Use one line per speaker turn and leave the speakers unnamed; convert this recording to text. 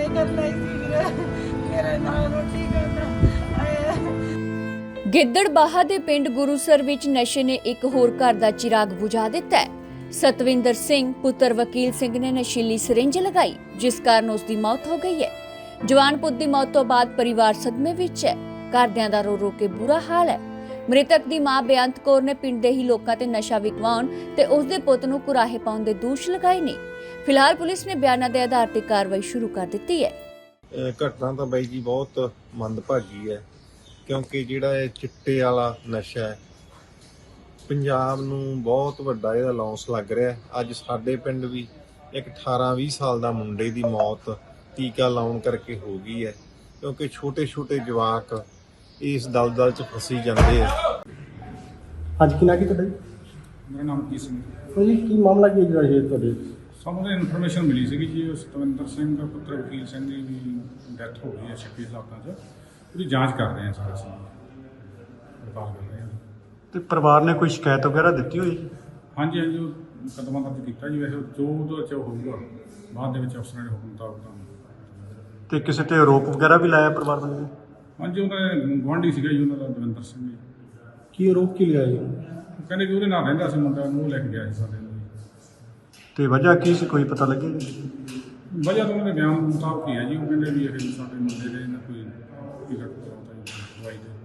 ਕਰਨਾ ਹੀ ਸੀ ਵੀਰੇ, ਮੇਰੇ ਨਾਲ ਰੋਟੀ ਖਾਣਾ
ਗਿੱਦੜਬਾਹਾ ਦੇ ਪਿੰਡ ਗੁਰੂਸਰ ਵਿੱਚ ਨਸ਼ੇ ਨੇ ਇੱਕ ਹੋਰ ਘਰ ਦਾ ਚਿਰਾਗ ਬੁਝਾ ਦਿੱਤਾ ਹੈ। ਸਤਵਿੰਦਰ ਸਿੰਘ ਪੁੱਤਰ ਵਕੀਲ ਸਿੰਘ ਨੇ ਨਸ਼ੀਲੀ ਸਿਰਿੰਜ ਲਗਾਈ, ਜਿਸ ਕਾਰਨ ਉਸ ਦੀ ਮੌਤ ਹੋ ਗਈ ਹੈ। ਜਵਾਨ ਪੁੱਤ ਦੀ ਮੌਤ ਤੋਂ ਬਾਅਦ ਪਰਿਵਾਰ ਸਦਮੇ ਵਿੱਚ ਹੈ। ਘਰਦਿਆਂ ਦਾ ਰੋ ਰੋ ਕੇ ਬੁਰਾ ਹਾਲ ਹੈ। ਮ੍ਰਿਤਕ ਦੀ ਮਾਂ ਬੇਅੰਤ ਕੌਰ ਨੇ ਪਿੰਡ ਦੇ ਹੀ ਲੋਕਾਂ ਤੇ ਨਸ਼ਾ ਵਿਕਵਾਉਣ ਤੇ ਉਸ ਦੇ ਪੁੱਤ ਨੂੰ ਕੁਰਾਹੇ ਪਾਉਣ ਦੇ ਦੋਸ਼ ਲਗਾਏ ਨੇ। ਫਿਲਹਾਲ ਪੁਲਿਸ ਨੇ ਬਿਆਨਾਂ ਦੇ ਆਧਾਰ ਤੇ ਕਾਰਵਾਈ ਸ਼ੁਰੂ ਕਰ ਦਿੱਤੀ ਹੈ।
ਘਟਨਾ ਤਾਂ ਬਾਈ ਜੀ ਬਹੁਤ ਮੰਦਭਾਗੀ ਹੈ, ਕਿਉਂਕਿ ਜਿਹੜਾ ਇਹ ਚਿੱਟੇ ਵਾਲਾ ਨਸ਼ਾ ਹੈ ਪੰਜਾਬ ਨੂੰ ਬਹੁਤ ਵੱਡਾ ਇਹਦਾ ਲੌਸ ਲੱਗ ਰਿਹਾ। ਅੱਜ ਸਾਡੇ ਪਿੰਡ ਵੀ ਇੱਕ 18-20 ਸਾਲ ਦਾ ਮੁੰਡੇ ਦੀ ਮੌਤ ਟੀਕਾ ਲਾਉਣ ਕਰਕੇ ਹੋ ਗਈ ਹੈ, ਕਿਉਂਕਿ ਛੋਟੇ ਜਵਾਕ ਇਸ ਦਲਦਲ 'ਚ ਫਸੀ ਜਾਂਦੇ ਆ।
ਅੱਜ ਕੀ ਨਾ ਕੀ ਤੁਹਾਡਾ ਜੀ?
ਮੇਰਾ ਨਾਮ ਕੀ ਸਿੰਘ
ਜੀ ਕੀ ਮਾਮਲਾ ਕੀ ਜਿਹੜਾ ਇਹ ਤੁਹਾਡੇ?
ਸਾਨੂੰ ਇਨਫੋਰਮੇਸ਼ਨ ਮਿਲੀ ਸੀਗੀ ਜੀ, ਸਤਵਿੰਦਰ ਸਿੰਘ ਪੁੱਤਰ ਵਕੀਲ ਸਿੰਘ ਦੀ ਵੀ ਡੈਥ ਹੋ ਗਈ ਹੈ 26 ਹਾਲਾਤਾਂ 'ਚ। ਉਹਦੀ ਜਾਂਚ ਕਰ ਰਹੇ ਹਾਂ ਸਾਰੇ ਅਸੀਂ, ਪੜਤਾਲ ਕਰ ਰਹੇ ਹਾਂ।
ਤੇ ਪਰਿਵਾਰ ਨੇ ਕੋਈ ਸ਼ਿਕਾਇਤ ਵਗੈਰਾ ਦਿੱਤੀ ਹੋਈ?
ਹਾਂਜੀ ਉਹ ਮੁਕੱਦਮਾ ਦਰਜ ਕੀਤਾ ਜੀ। ਵੈਸੇ ਜੋ ਉਹਦੇ 'ਚ ਹੋਊਗਾ ਬਾਅਦ ਦੇ ਵਿੱਚ ਅਫਸਰਾਂ ਦੇ ਹੁਕਮ ਮੁਤਾਬਕ ਤੁਹਾਨੂੰ।
ਤੇ ਕਿਸੇ ਤੇ ਆਰੋਪ ਵਗੈਰਾ ਵੀ ਲਾਇਆ ਪਰਿਵਾਰ ਵੱਲੋਂ?
ਹਾਂਜੀ ਉਹਦਾ ਗੁਆਂਢੀ ਸੀਗਾ ਜੀ ਉਹਨਾਂ ਦਾ, ਦਵਿੰਦਰ ਸਿੰਘ ਜੀ।
ਕੀ ਆਰੋਪ ਕੀ ਲਗਾਇਆ ਜੀ?
ਉਹ ਕਹਿੰਦੇ ਵੀ ਉਹਦੇ ਨਾਲ ਰਹਿੰਦਾ ਸੀ ਮੁੰਡਾ, ਉਹਨੂੰ ਲੈ ਕੇ ਗਿਆ ਸੀ ਸਾਡੇ ਨੂੰ।
ਤੇ ਵਜ੍ਹਾ ਕੀ ਸੀ, ਕੋਈ ਪਤਾ ਲੱਗਿਆ ਜੀ?
ਵਜ੍ਹਾ ਤਾਂ ਉਹਨਾਂ ਦੇ ਬਿਆਨ ਮੁਤਾਬਕ ਹੀ ਹੈ ਜੀ। ਉਹ ਕਹਿੰਦੇ ਵੀ ਇਹ ਸਾਡੇ ਮੁੰਡੇ ਦੇ ਨਾ ਕੋਈ ਟਿਕਟ ਕਰਾਉਂਦਾ ਜੀ ਦਵਾਈ ਦੇ।